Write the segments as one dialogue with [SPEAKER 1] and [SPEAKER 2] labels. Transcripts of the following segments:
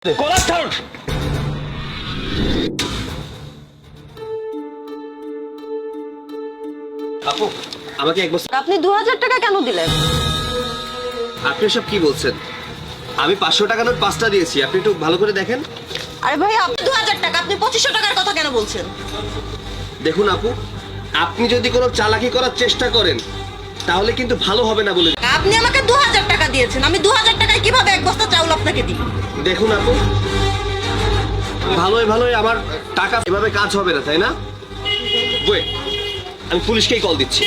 [SPEAKER 1] আপু আমাকে এক বছর
[SPEAKER 2] আপনি 2000 টাকা কেন দিলেন?
[SPEAKER 1] আপনি সব কি বলছেন? আমি 500 টাকা নোট 5টা দিয়েছি, আপনি একটু ভালো করে দেখেন।
[SPEAKER 2] আরে ভাই আপনি 2000 টাকা, আপনি 2500 টাকার কথা কেন বলছেন?
[SPEAKER 1] দেখুন আপু, আপনি যদি কোনো চালাকি করার চেষ্টা করেন তাহলে কিন্তু ভালো হবে না বলে।
[SPEAKER 2] আপনি আমাকে 2000 টাকা দিয়েছেন, আমি 2000 টাকায় কিভাবে এক বস্তা চাউল আপনাকে দিই?
[SPEAKER 1] দেখুন আপু, ভালোই ভালোই আমার টাকা এভাবে কাজ হবে না, তাই না? ওয়েট, আমি পুলিশকেই কল দিচ্ছি।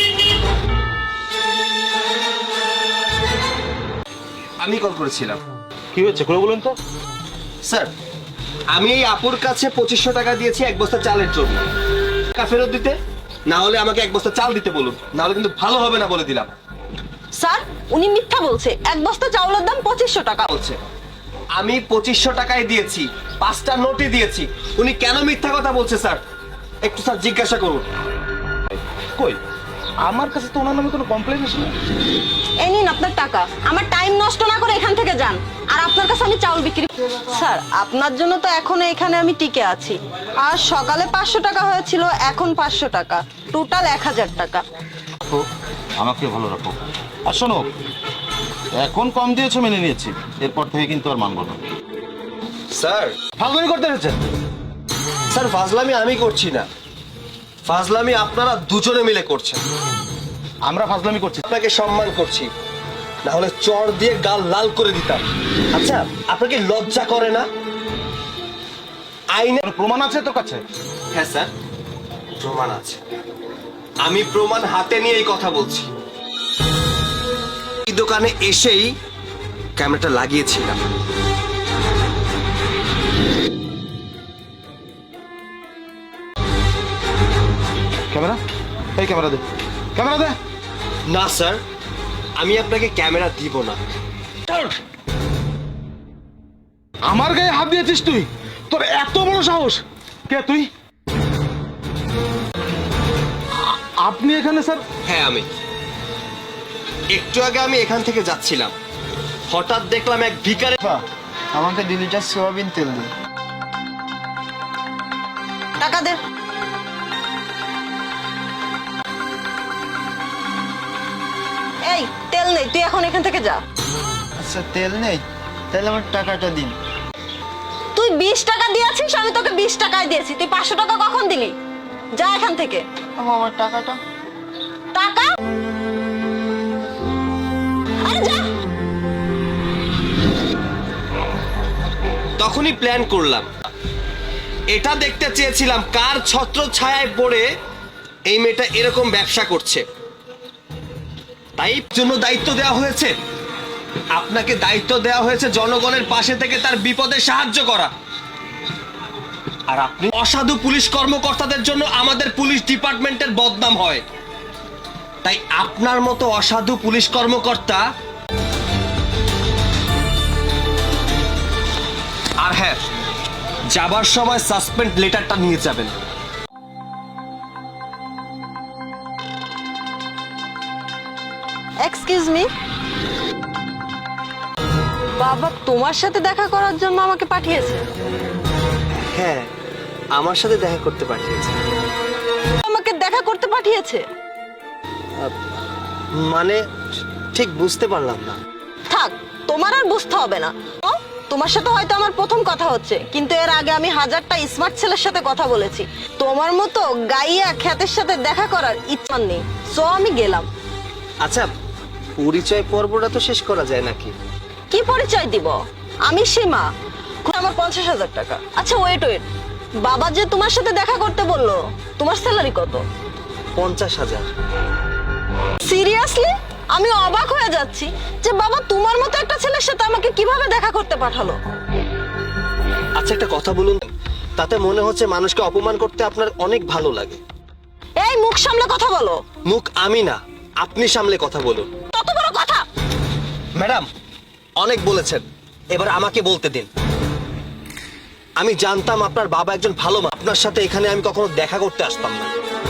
[SPEAKER 1] আমি কল করেছিলাম।
[SPEAKER 3] কি হয়েছে খুলে বলুন তো।
[SPEAKER 1] স্যার, আমি এই আপুর কাছে 2500 টাকা দিয়েছি এক বস্তা চালের জন্য। টাকা ফেরত দিতে, না হলে আমাকে এক বস্তা চাল দিতে বলুন, না হলে কিন্তু ভালো হবে না বলে দিলাম।
[SPEAKER 2] স্যার উনি মিথ্যা বলছে, এক বস্তা চাউলের দাম 2500 টাকা।
[SPEAKER 1] বলছে আমি 2500 টাকায় দিয়েছি, 5টা নোটই দিয়েছি। উনি কেন মিথ্যা কথা বলছে স্যার? একটু স্যার জিজ্ঞাসা করুন।
[SPEAKER 3] কই আমার কাছে তো ওনার নামে কোনো কমপ্লেইন আসেনি।
[SPEAKER 2] এই নিন আপনার টাকা, আমার টাইম নষ্ট না করে এখান থেকে যান। আর আপনার কাছে আমি চাউল বিক্রি। স্যার আপনার জন্য তো এখনো এখানে আমি টিকে আছি। আর সকালে 500 টাকা হয়েছিল, এখন 500 টাকা, টোটাল 1000 টাকা।
[SPEAKER 3] তো আমাকে ভালো রাখো। আর শোনো, এখন কম দিয়েছো মেনে নিয়েছি, এরপর থেকে কিন্তু আর মানবো না।
[SPEAKER 1] স্যার
[SPEAKER 3] ফাজলামি করতে হচ্ছে।
[SPEAKER 1] স্যার ফাজলামি আমি করছি না, ফাজলামি আপনারা দুজনে মিলে করছেন।
[SPEAKER 3] আমরা ফাজলামি করছি।
[SPEAKER 1] আপনাকে সম্মান করছি, না হলে চড় দিয়ে গাল লাল করে দিতাম। আচ্ছা আপনাকে লজ্জা করে না? আইনে
[SPEAKER 3] কোনো প্রমাণ আছে তোর কাছে?
[SPEAKER 1] হ্যাঁ স্যার, প্রমাণ আছে। আমি প্রমাণ হাতে নিয়ে এই কথা বলছি। এই দোকানে এসেই ক্যামেরাটা লাগিয়েছিলাম।
[SPEAKER 3] ক্যামেরা, এই ক্যামেরা দে, ক্যামেরা দে।
[SPEAKER 1] না স্যার, আমি আপনাকে ক্যামেরা দিব না।
[SPEAKER 3] আমার গায়ে হাত দিয়েছিস তুই? তোর এত বড় সাহস? কে তুই? আপনি এখানে স্যার?
[SPEAKER 1] হ্যাঁ আমি। একটু আগে আমি এখান থেকে যাচ্ছিলাম, হঠাৎ দেখলাম এক ভিখারি।
[SPEAKER 4] আমাকে 2 লিটার সোয়াবিন তেল দিন।
[SPEAKER 2] টাকা দে। এই তেল নেই, তুই এখন এখান থেকে যা।
[SPEAKER 4] আচ্ছা তেল নেই, তাহলে আমার টাকাটা দিন।
[SPEAKER 2] তুই 20 টাকা দিয়েছিস, আমি তোকে 20 টাকায় দিয়েছি, তুই 500 টাকা কখন দিলি? যা এখান থেকে।
[SPEAKER 4] আমার টাকাটা।
[SPEAKER 2] টাকা? আরে যা।
[SPEAKER 1] তখনই প্ল্যান করলাম, এটা দেখতে চেয়েছিলাম কার ছত্র ছায়ায় পড়ে এই মেয়েটা এরকম ব্যবসা করছে। তাই জন্য দায়িত্ব দেওয়া হয়েছে আপনাকে, দায়িত্ব দেওয়া হয়েছে জনগণের পাশে থেকে তার বিপদে সাহায্য করা। আর আপনি অসাধু পুলিশ কর্মকর্তাদের জন্য আমাদের পুলিশ ডিপার্টমেন্টের বদনাম হয়। তাই আপনার মতো অসাধু পুলিশ কর্মকর্তা। আর হ্যাঁ, যাবার সময় সাসপেন্ড লেটারটা নিয়ে যাবেন।
[SPEAKER 2] Excuse me. বাবা তোমার সাথে দেখা করার জন্য আমাকে পাঠিয়েছে।
[SPEAKER 1] হ্যাঁ, আমার সাথে দেখা করতে পাঠিয়েছে।
[SPEAKER 2] আমাকে দেখা করতে পাঠিয়েছে?
[SPEAKER 1] মানে ঠিক বুঝতে পারলাম না।
[SPEAKER 2] থাক, তোমার আর বুঝতে হবে না। তোমার সাথে হয়তো আমার প্রথম কথা হচ্ছে, কিন্তু এর আগে আমি 1000টা স্মার্ট ছেলের সাথে কথা বলেছি। তোমার মতো গাইয়া খ্যাতের সাথে দেখা করার ইচ্ছা নেই, সো আমি গেলাম।
[SPEAKER 1] আচ্ছা, পরিচয় পর্বটা তো শেষ করা যায় নাকি?
[SPEAKER 2] কি পরিচয় দিব? আমি সীমা, আমার 50,000 টাকা। আচ্ছা ওয়েট ওয়েট, বাবা যে তোমার সাথে দেখা করতে বললো, তোমার স্যালারি কত?
[SPEAKER 1] 50,000।
[SPEAKER 2] সিরিয়াসলি? আমি অবাক হয়ে যাচ্ছি যে বাবা তোমার মতো একটা ছেলের সাথে আমাকে কিভাবে দেখা করতে পাঠালো।
[SPEAKER 1] আচ্ছা একটা কথা বলুন, তাতে মনে হচ্ছে মানুষকে অপমান করতে আপনার অনেক ভালো লাগে।
[SPEAKER 2] এই মুখ সামলে কথা বলো।
[SPEAKER 1] মুখ আমি না, আপনি সামলে কথা বলুন।
[SPEAKER 2] কত বড় কথা!
[SPEAKER 1] ম্যাডাম অনেক বলেছেন, এবার আমাকে বলতে দিন। আমি জানতাম আপনার বাবা একজন ভালো মানুষ, আপনার সাথে এখানে আমি কখনো দেখা করতে আসতাম না।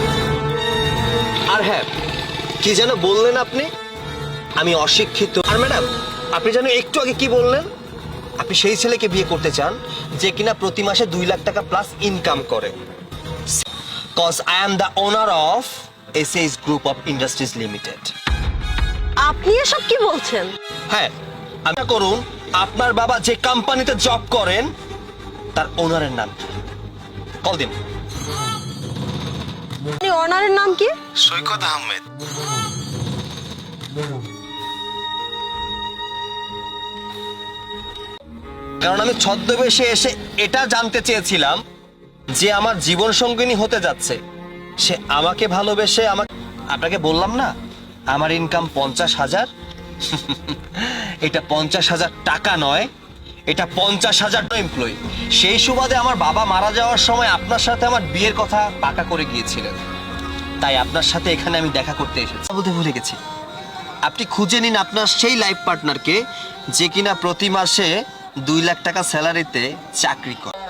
[SPEAKER 1] আর হ্যাঁ, কি যেন বললেন আপনি? আমি অশিক্ষিত। আর ম্যাডাম আপনি যেন একটু আগে কি বললেন? আপনি সেই ছেলেকে বিয়ে করতে চান যে কিনা প্রতি মাসে 2 লাখ টাকা প্লাস ইনকাম করে। Cause I am the owner of S S group of industries limited.
[SPEAKER 2] আপনি এসব কি বলছেন?
[SPEAKER 1] হ্যাঁ, আমি করুন আপনার বাবা যে কোম্পানিতে জব করেন তার ওনারের নাম কি? কল দিন।
[SPEAKER 2] আপনি ওনারের নাম কি?
[SPEAKER 3] সৈকত আহমেদ।
[SPEAKER 1] কারণ আমি ছদ্মবেশে এসে এটা জানতে চেয়েছিলাম যে আমার জীবন সঙ্গিনী হতে যাচ্ছে সে আমাকে ভালোবেসে আপনাকে বললাম না আমার ইনকাম 50,000। এটা 50,000 টাকা নয়, এটা 50,000 এমপ্লয়ি। সেই সুবাদে আমার বাবা মারা যাওয়ার সময় আপনার সাথে আমার বিয়ের কথা পাকা করে গিয়েছিলেন, তাই আপনার সাথে এখানে আমি দেখা করতে এসেছি। বলতে ভুলে গেছি, আপনি খুঁজে নিন আপনার সেই লাইফ পার্টনারকে যে কিনা প্রতি মাসে 2 লাখ টাকা স্যালারিতে চাকরি করে।